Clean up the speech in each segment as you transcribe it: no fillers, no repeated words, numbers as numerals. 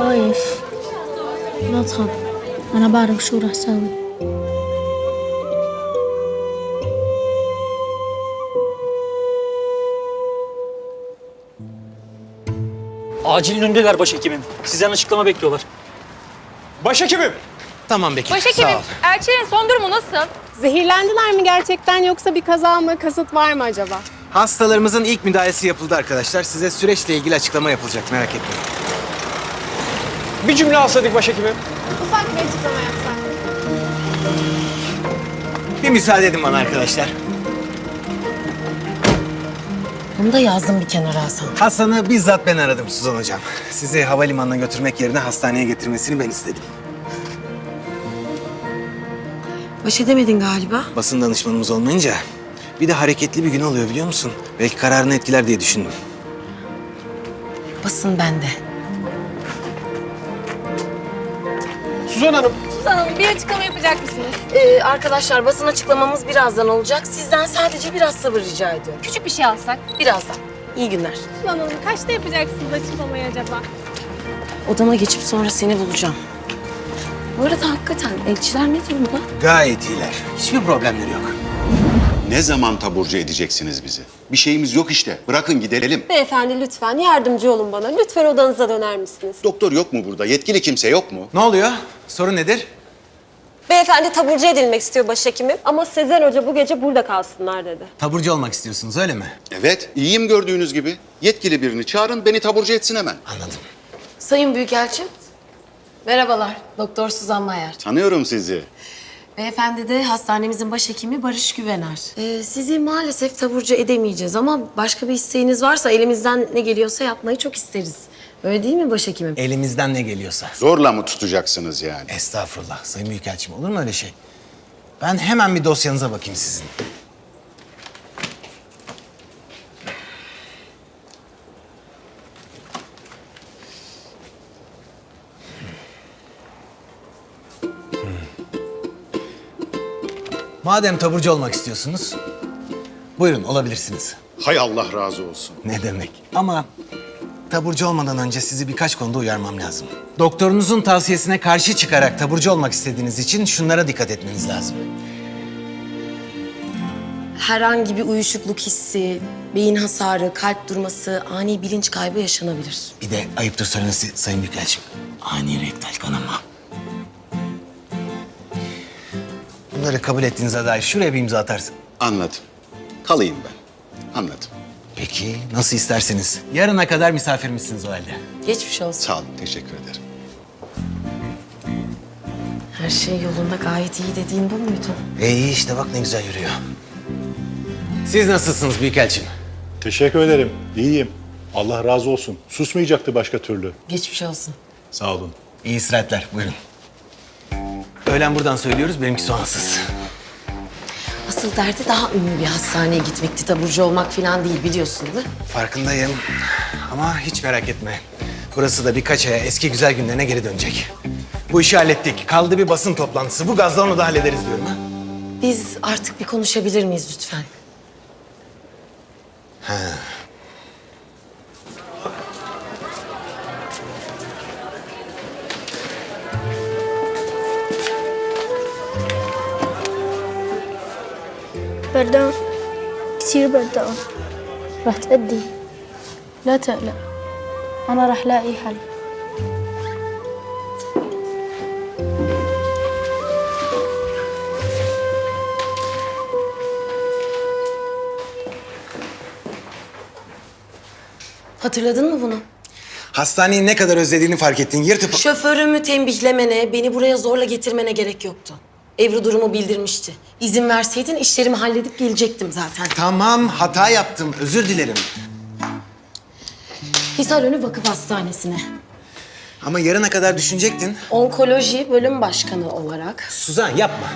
خايف. لا تخاف، أنا بعرف شو رح ساوي. Acilin önündeler başhekimim. Sizden açıklama bekliyorlar. Başhekimim. Tamam Bekir, Başhekimim, sağ ol. Erçel'in son durumu nasıl? Zehirlendiler mi gerçekten yoksa bir kaza mı, kasıt var mı acaba? Hastalarımızın ilk müdahalesi yapıldı arkadaşlar. Size süreçle ilgili açıklama yapılacak, merak etmeyin. Bir cümle alsaydık başhekimim. Ufak bir açıklama yapsak. Bir müsaade edin bana arkadaşlar. Bunu da yazdım bir kenara Hasan. Hasan'ı bizzat ben aradım Suzan Hocam. Sizi havalimanına götürmek yerine hastaneye getirmesini ben istedim. Baş edemedin galiba. Basın danışmanımız olmayınca bir de hareketli bir gün oluyor biliyor musun? Belki kararını etkiler diye düşündüm. Basın bende. Suzan Hanım. Suzan Hanım bir açıklama yapacak mısınız? Arkadaşlar basın açıklamamız birazdan olacak. Sizden sadece biraz sabır rica ediyorum. Küçük bir şey alsak. Birazdan. İyi günler. Suzan Hanım kaçta yapacaksınız açıklamayı acaba? Odama geçip sonra seni bulacağım. Bu arada hakikaten elçiler ne durumda? Gayet iyiler. Hiçbir problemleri yok. Ne zaman taburcu edeceksiniz bizi? Bir şeyimiz yok işte. Bırakın gidelim. Beyefendi lütfen yardımcı olun bana. Lütfen odanıza döner misiniz? Doktor yok mu burada? Yetkili kimse yok mu? Ne oluyor? Sorun nedir? Beyefendi taburcu edilmek istiyor başhekimim. Ama Sezen Hoca bu gece burada kalsınlar dedi. Taburcu olmak istiyorsunuz öyle mi? Evet, iyiyim gördüğünüz gibi. Yetkili birini çağırın, beni taburcu etsin hemen. Anladım. Sayın Büyükelçim. Merhabalar. Doktor Suzan Mayer. Tanıyorum sizi. Beyefendi de hastanemizin başhekimi Barış Güvener. Sizi maalesef taburcu edemeyeceğiz ama başka bir isteğiniz varsa elimizden ne geliyorsa yapmayı çok isteriz. Öyle değil mi başhekimim? Elimizden ne geliyorsa. Zorla mı tutacaksınız yani? Estağfurullah Sayın Büyükelçim, olur mu öyle şey? Ben hemen bir dosyanıza bakayım sizin. Madem taburcu olmak istiyorsunuz, buyurun olabilirsiniz. Hay Allah razı olsun. Ne demek? Ama taburcu olmadan önce sizi birkaç konuda uyarmam lazım. Doktorunuzun tavsiyesine karşı çıkarak taburcu olmak istediğiniz için şunlara dikkat etmeniz lazım. Herhangi bir uyuşukluk hissi, beyin hasarı, kalp durması, ani bilinç kaybı yaşanabilir. Bir de ayıptır söylemesi Sayın Büyükelçim, ani rektal kanama. Bunları kabul ettiğinize dair şuraya bir imza atarsın. Anladım. Kalayım ben. Anladım. Peki, nasıl isterseniz. Yarına kadar misafirimizsiniz o halde. Geçmiş olsun. Sağ olun, teşekkür ederim. Her şey yolunda gayet iyi dediğin bu muydu? İyi işte bak ne güzel yürüyor. Siz nasılsınız Büyükelçim? Teşekkür ederim. İyiyim. Allah razı olsun. Susmayacaktı başka türlü. Geçmiş olsun. Sağ olun. İyi istirahatler, buyurun. Öğlen buradan söylüyoruz, benimki soğansız. Asıl derdi daha ünlü bir hastaneye gitmekti. Taburcu olmak falan değil biliyorsun değil mi? Farkındayım ama hiç merak etme. Burası da birkaç aya eski güzel günlerine geri dönecek. Bu işi hallettik. Kaldı bir basın toplantısı. Bu gazla onu da hallederiz diyorum ha. Biz artık bir konuşabilir miyiz lütfen? بردان كثير بردان. رح تأدي. لا تقلق، أنا رح لاقي حل. Hatırladın mı bunu? Hastaneyi ne kadar özlediğini fark ettin. Yırtıp... Şoförümü tembihlemene, beni buraya zorla getirmene gerek yoktu. Ebru durumu bildirmişti. İzin verseydin işlerimi halledip gelecektim zaten. Tamam, hata yaptım. Özür dilerim. Hisarönü Vakıf Hastanesi'ne. Ama yarına kadar düşünecektin. Onkoloji bölüm başkanı olarak. Suzan yapma.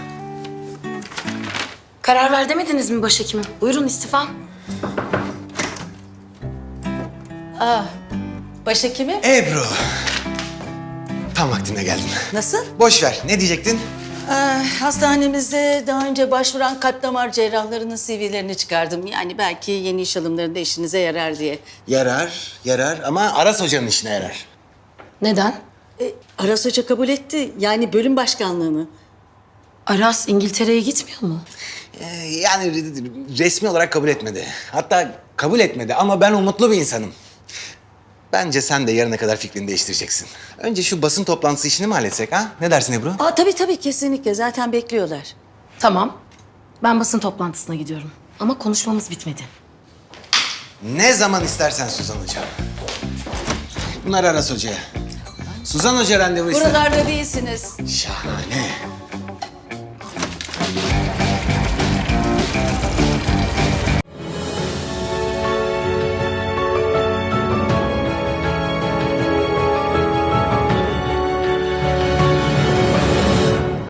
Karar ver demediniz mi başhekimim? Buyurun istifam. Başhekimim. Ebru. Tam vaktinde geldin. Nasıl? Boş ver. Ne diyecektin? Hastanemizde daha önce başvuran kalp damar cerrahlarının CV'lerini çıkardım. Yani belki yeni iş alımlarında işinize yarar diye. Yarar ama Aras Hoca'nın işine yarar. Neden? Aras Hoca kabul etti. Yani bölüm başkanlığını. Aras İngiltere'ye gitmiyor mu? Yani resmi olarak kabul etmedi. Hatta kabul etmedi ama ben umutlu bir insanım. Bence sen de yarına kadar fikrini değiştireceksin. Önce şu basın toplantısı işini mi halletsek ha? Ne dersin Ebru? Tabii kesinlikle. Zaten bekliyorlar. Tamam. Ben basın toplantısına gidiyorum. Ama konuşmamız bitmedi. Ne zaman istersen Suzan Hoca. Bunlar Aras Hoca'ya. Suzan Hoca randevu ister. Buralarda değilsiniz. Şahane.